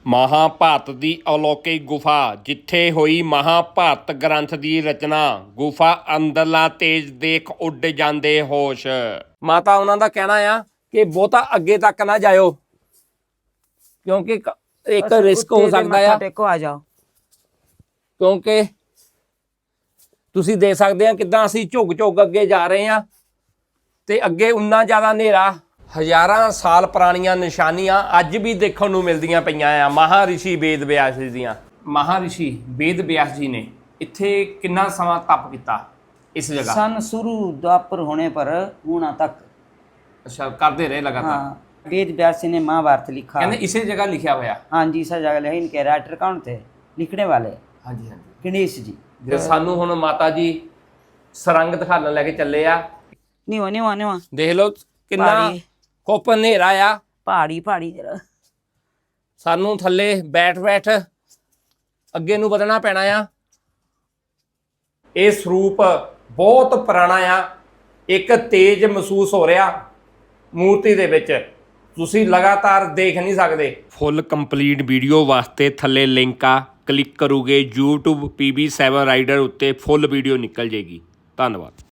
ਮਹਾਭਾਰਤ ਦੀ ਅਲੌਕਿਕ ਗੁਫਾ ਜਿੱਥੇ ਹੋਈ ਮਹਾਭਾਰਤ ਗ੍ਰੰਥ ਦੀ ਰਚਨਾ। ਗੁਫਾ ਅੰਦਰਲਾ ਤੇਜ ਦੇਖ ਉੱਡ ਜਾਂਦੇ ਹੋਸ਼। ਮਾਤਾ ਉਹਨਾਂ ਦਾ ਕਹਿਣਾ ਆ ਕਿ ਬਹੁਤਾ ਅੱਗੇ ਤੱਕ ਨਾ ਜਾਇਓ ਕਿਉਂਕਿ ਇੱਕ ਰਿਸਕ ਹੋ ਸਕਦਾ ਆ। ਟੇਕੋ ਆ ਜਾਓ ਕਿਉਂਕਿ ਤੁਸੀਂ ਦੇਖ ਸਕਦੇ ਆ ਕਿੱਦਾਂ ਅਸੀਂ ਝੁੱਗ ਝੁੱਗ ਅੱਗੇ ਜਾ ਰਹੇ ਆ ਤੇ ਅੱਗੇ ਉਨਾ ਜ਼ਿਆਦਾ ਹਨੇਰਾ। ਹਜ਼ਾਰਾਂ ਸਾਲ ਪੁਰਾਣੀਆਂ ਨਿਸ਼ਾਨੀਆਂ ਅੱਜ ਵੀ ਦੇਖਣ ਨੂੰ ਮਿਲਦੀਆਂ ਪਈਆਂ ਆ। ਮਹਾਰਿਸ਼ੀ ਵੇਦ ਵਿਆਸ ਜੀ ਦੀਆਂ। ਮਹਾਰਿਸ਼ੀ ਵੇਦ ਵਿਆਸ ਜੀ ਨੇ ਇੱਥੇ ਕਿੰਨਾ ਸਮਾਂ ਤਪ ਕੀਤਾ ਇਸ ਜਗ੍ਹਾ? सन शुरू द्वापर होने पर हुणा तक। ਅੱਛਾ, ਕਰਦੇ ਰਹੇ ਲਗਾਤਾਰ। हाँ, वेद व्यास जी ने महाभारत लिखा। ਕਹਿੰਦੇ ਇਸੇ ਜਗ੍ਹਾ ਲਿਖਿਆ ਹੋਇਆ। हाँ जी, इस जगह लिखा। इनके राइटर कौन थे लिखने वाले? ਹਾਂਜੀ ਹਾਂਜੀ। गणेश जी। ਜੇ ਸਾਨੂੰ ਹੁਣ ਮਾਤਾ ਜੀ ਸਰੰਗ ਦਿਖਾਣ ਲੈ ਕੇ ਚੱਲੇ ਆ। निवा निवा निवा ਦੇਖ ਲਓ ਕਿੰਨਾ ਪਹਾੜੀ। ਕੁੱਪ ਹਨੇਰਾ ਆ। पहाड़ी पहाड़ी जरा। ਸਾਨੂੰ ਥੱਲੇ ਬੈਠ ਬੈਠ ਅੱਗੇ ਨੂੰ ਵਧਣਾ ਪੈਣਾ ਆ। ਇਹ ਸਰੂਪ ਬਹੁਤ ਪੁਰਾਣਾ ਆ। ਇੱਕ ਤੇਜ ਮਹਿਸੂਸ ਹੋ ਰਿਹਾ ਮੂਰਤੀ ਦੇ ਵਿੱਚ, ਤੁਸੀਂ ਲਗਾਤਾਰ ਦੇਖ ਨਹੀਂ ਸਕਦੇ। ਫੁੱਲ ਕੰਪਲੀਟ ਵੀਡੀਓ ਵਾਸਤੇ ਥੱਲੇ ਲਿੰਕ ਆ, ਕਲਿੱਕ ਕਰੋਗੇ YouTube PB7 ਰਾਈਡਰ ਉੱਤੇ ਫੁੱਲ ਵੀਡੀਓ ਨਿਕਲ ਜੇਗੀ। ਧੰਨਵਾਦ।